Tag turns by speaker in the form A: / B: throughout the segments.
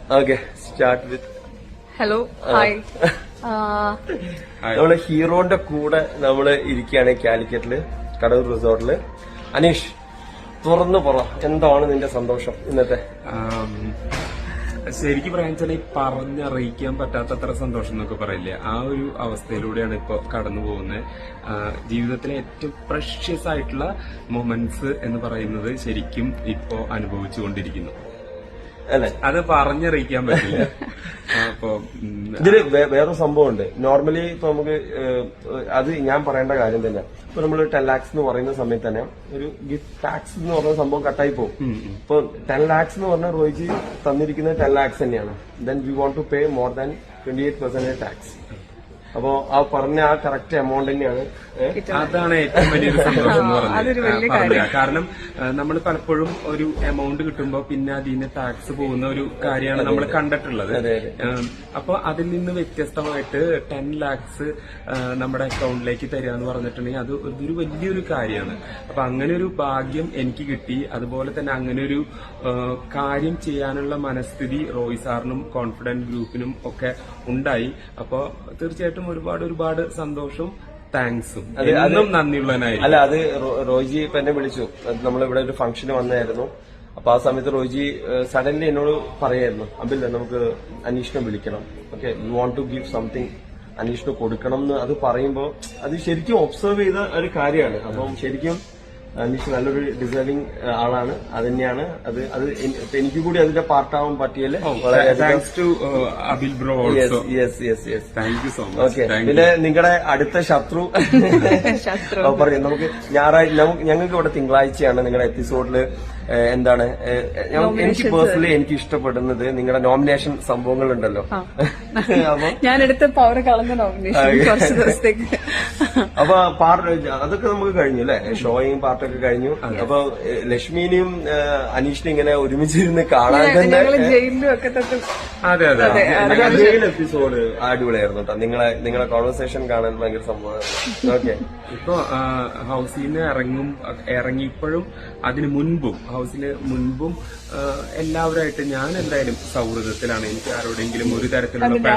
A: Okay start with
B: hello hi.
A: നമ്മള് ഹീറോന്റെ കൂടെ നമ്മള് ഇരിക്കുകയാണ് കാലിക്കറ്റില് കടൂർ റിസോർട്ടില്. അനീഷ് തുറന്നു പറ, എന്താണ് നിന്റെ സന്തോഷം ഇന്നത്തെ?
C: ശരിക്കും പറയാൻ വെച്ചാൽ ഈ പറഞ്ഞറിയിക്കാൻ പറ്റാത്തത്ര സന്തോഷം എന്നൊക്കെ പറയില്ലേ, ആ ഒരു അവസ്ഥയിലൂടെയാണ് ഇപ്പൊ കടന്നു പോകുന്നത്. ജീവിതത്തിലെ ഏറ്റവും പ്രഷ്യസ് ആയിട്ടുള്ള മൊമെന്റ്സ് എന്ന് പറയുന്നത് ശരിക്കും ഇപ്പോ അനുഭവിച്ചുകൊണ്ടിരിക്കുന്നു.
A: അല്ലെ,
C: അത് പറഞ്ഞറിയിക്കാൻ പറ്റില്ല. അപ്പൊ
A: ഇതില് വേറൊരു സംഭവം ഉണ്ട്. നോർമലി ഇപ്പൊ നമുക്ക് അത് ഞാൻ പറയേണ്ട കാര്യം തന്നെ. ഇപ്പൊ നമ്മൾ 10 lakhs എന്ന് പറയുന്ന സമയത്ത് തന്നെ ഒരു ഗിഫ്റ്റ് ടാക്സ് എന്ന് പറഞ്ഞ സംഭവം കട്ടായി പോകും. ഇപ്പൊ 10 lakhs എന്ന് പറഞ്ഞ റോയിജി തന്നിരിക്കുന്നത് 10 lakhs തന്നെയാണ്. Then we won't to pay more than 28% tax. അപ്പോ ആ പറഞ്ഞ ആ കറക്റ്റ് എമൗണ്ട് തന്നെയാണ്.
C: അതാണ് ഏറ്റവും വലിയൊരു സന്തോഷം എന്ന് പറഞ്ഞത്. കാരണം നമ്മൾ പലപ്പോഴും ഒരു എമൗണ്ട് കിട്ടുമ്പോൾ പിന്നെ അതിന് ടാക്സ് പോകുന്ന ഒരു കാര്യമാണ് നമ്മൾ കണ്ടിട്ടുള്ളത്. അപ്പൊ അതിൽ നിന്ന് വ്യത്യസ്തമായിട്ട് 10 lakhs നമ്മുടെ അക്കൗണ്ടിലേക്ക് തരിക എന്ന് പറഞ്ഞിട്ടുണ്ടെങ്കിൽ അത് ഒരു വലിയൊരു കാര്യമാണ്. അപ്പൊ അങ്ങനെ ഒരു ഭാഗ്യം എനിക്ക് കിട്ടി. അതുപോലെ തന്നെ അങ്ങനെ ഒരു കാര്യം ചെയ്യാനുള്ള മനസ്ഥിതി റോയ് സാറിനും കോൺഫിഡന്റ് ഗ്രൂപ്പിനും ഒക്കെ ഉണ്ടായി. അപ്പൊ തീർച്ചയായിട്ടും ഒരുപാട് സന്തോഷവും താങ്ക്സും എന്നും നന്ദിയുള്ളവനായി.
A: അല്ല, അത് റോയിജി ഇപ്പൊ എന്നെ വിളിച്ചു. നമ്മളിവിടെ ഒരു ഫംഗ്ഷന് വന്നായിരുന്നു. അപ്പൊ ആ സമയത്ത് റോയിജി സഡൻലി എന്നോട് പറയായിരുന്നു, അബിൽ നമുക്ക് അനീഷിനെ വിളിക്കണം, okay you want to give something, അനീഷിന് കൊടുക്കണം എന്ന്. അത് പറയുമ്പോ അത് ശരിക്കും ഒബ്സർവ് ചെയ്ത ഒരു കാര്യമാണ്. അപ്പം ശരിക്കും അനീഷ് നല്ലൊരു ഡിസേർവിംഗ് ആളാണ്. അത് തന്നെയാണ് അത് എനിക്ക് കൂടി അതിന്റെ പാർട്ടാവാൻ പറ്റിയല്ലേ. ഓക്കെ, പിന്നെ നിങ്ങളുടെ അടുത്ത ശത്രു പറയും. നമുക്ക് ഞങ്ങൾക്ക് ഇവിടെ തിങ്കളാഴ്ചയാണ് നിങ്ങളുടെ എപ്പിസോഡില് എന്താണ് എനിക്ക് പേഴ്സണലി എനിക്ക് ഇഷ്ടപ്പെടുന്നത് നിങ്ങളുടെ നോമിനേഷൻ സംഭവങ്ങളുണ്ടല്ലോ.
B: ഞാനെടുത്ത പവർ കളഞ്ഞ നോമിനേഷൻ
A: അപ്പൊ അതൊക്കെ നമുക്ക് കഴിഞ്ഞു അല്ലെ, ഷോയും പാർട്ടൊക്കെ കഴിഞ്ഞു. അപ്പൊ ലക്ഷ്മിനെയും അനീഷിനെയും ഇങ്ങനെ ഒരുമിച്ചിരുന്ന് കാണാൻ തന്നെ ജയിൽ എപ്പിസോഡ് അടിപൊളിയായിരുന്നു കേട്ടോ. നിങ്ങളെ കോൺവെർസേഷൻ കാണാൻ ഭയങ്കര സംഭവമായിരുന്നു. ഓക്കെ,
C: ഇപ്പൊ ഹൗസിൽ നിന്ന് ഇറങ്ങിയപ്പോഴും അതിന് മുൻപും ഹൗസിന് മുൻപും എല്ലാവരുമായിട്ട് ഞാൻ എന്തായാലും സൗഹൃദത്തിലാണ്. എനിക്ക് ആരോടെങ്കിലും ഒരു തരത്തിലുള്ള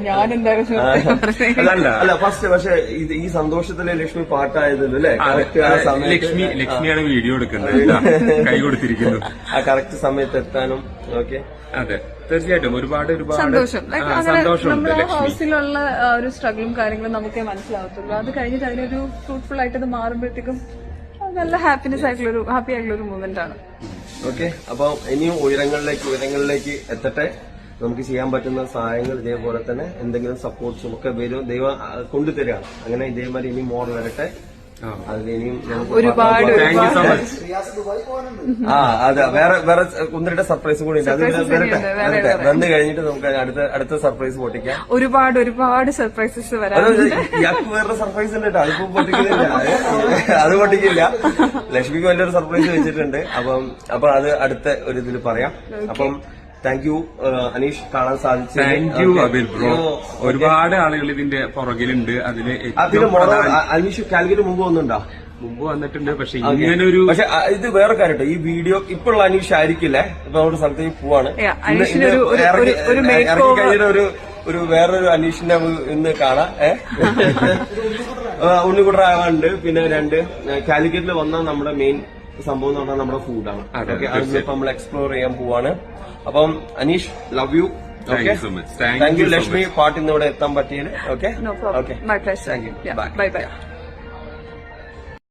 A: അല്ല ഫസ്റ്റ്. പക്ഷെ ഈ സന്തോഷത്തിലെ ലക്ഷ്മി പാട്ടായതല്ലോ അല്ലെ,
C: ലക്ഷ്മിയാണ് വീഡിയോ എടുക്കുന്നത്, കൈ കൊടുത്തിരിക്കുന്നു
A: ആ കറക്റ്റ് സമയത്ത് എത്താനും. ഓക്കെ,
C: അതെ തീർച്ചയായിട്ടും ഒരുപാട്
B: നമ്മുടെ ഹൗസിലുള്ള ഒരു സ്ട്രഗിളും കാര്യങ്ങളും നമുക്കേ മനസ്സിലാവത്തുള്ളൂ. അത് കഴിഞ്ഞിട്ട് അതിനൊരു ഫ്രൂട്ട്ഫുൾ ആയിട്ട് അത് മാറുമ്പോഴത്തേക്കും നല്ല ഹാപ്പിനെസ് ആയിട്ടുള്ള ഹാപ്പി ആയിട്ടുള്ള ഒരു മൂവ്മെന്റ് ആണ്.
A: ഓക്കെ, അപ്പൊ ഇനിയും ഉയരങ്ങളിലേക്ക് എത്തട്ടെ. നമുക്ക് ചെയ്യാൻ പറ്റുന്ന സഹായങ്ങൾ ഇതേപോലെ തന്നെ എന്തെങ്കിലും സപ്പോർട്ട്സും ഒക്കെ വരും, ദൈവം കൊണ്ടുതരികയാണ്. അങ്ങനെ ഇതേമാതിരി ഇനി മോർ വരട്ടെ. അതിനിയും
B: ഒരുപാട്
A: അതെ, വേറെ ഒന്നിരുടെ സർപ്രൈസും കൂടി ഉണ്ട്. അത് വരട്ടെ, വന്നു കഴിഞ്ഞിട്ട് നമുക്ക് അടുത്ത സർപ്രൈസ് പൊട്ടിക്കാം.
B: ഒരുപാട് സർപ്രൈസസ് വരാം.
A: ഇയാൾക്ക് വേറെ സർപ്രൈസ് ഉണ്ട് കേട്ടോ, അതിപ്പോ പൊട്ടിക്കുന്നില്ല. അത് പൊട്ടിക്കില്ല. ലക്ഷ്മിക്ക് വലിയൊരു സർപ്രൈസ് വെച്ചിട്ടുണ്ട്. അപ്പൊ അത് അടുത്ത ഒരു ഇതിൽ പറയാം. അപ്പം താങ്ക് യു അനീഷ്, കാണാൻ സാധിച്ചു.
C: Thank you Abil bro. ഒരുപാട് ആളുകൾ ഇതിന്റെ പുറകിലുണ്ട്.
A: അനീഷ് കാലിക്കറ്റ് മുമ്പ് വന്നിട്ടുണ്ടോ?
C: മുമ്പ് വന്നിട്ടുണ്ട്. പക്ഷെ ഇങ്ങനൊരു
A: ഇത് വേറെ കാര്യം, ഈ വീഡിയോ ഇപ്പോഴുള്ള അനീഷ് ആയിരിക്കില്ലേ, ഇപ്പൊ ഒരു സ്ഥലത്തേക്ക് പോവാണ്. ഇറങ്ങി കഴിഞ്ഞ ഒരു വേറൊരു അനീഷിനെ ഇന്ന് കാണാം. ഉണ്ണിക്കുട്ടറാവാണ്ട്. പിന്നെ 2 കാലിക്കറ്റിൽ വന്ന നമ്മുടെ മെയിൻ സംഭവം എന്ന് പറഞ്ഞാൽ നമ്മുടെ ഫുഡാണ്. അതിപ്പോ നമ്മൾ എക്സ്പ്ലോർ ചെയ്യാൻ പോവാണ്. അപ്പം Aneesh, love you. Okay, thank you Lakshmi, പാട്ട് ഇന്നിവിടെ എത്താൻ പറ്റിയത്. Okay,
B: thank you.
A: ബൈ.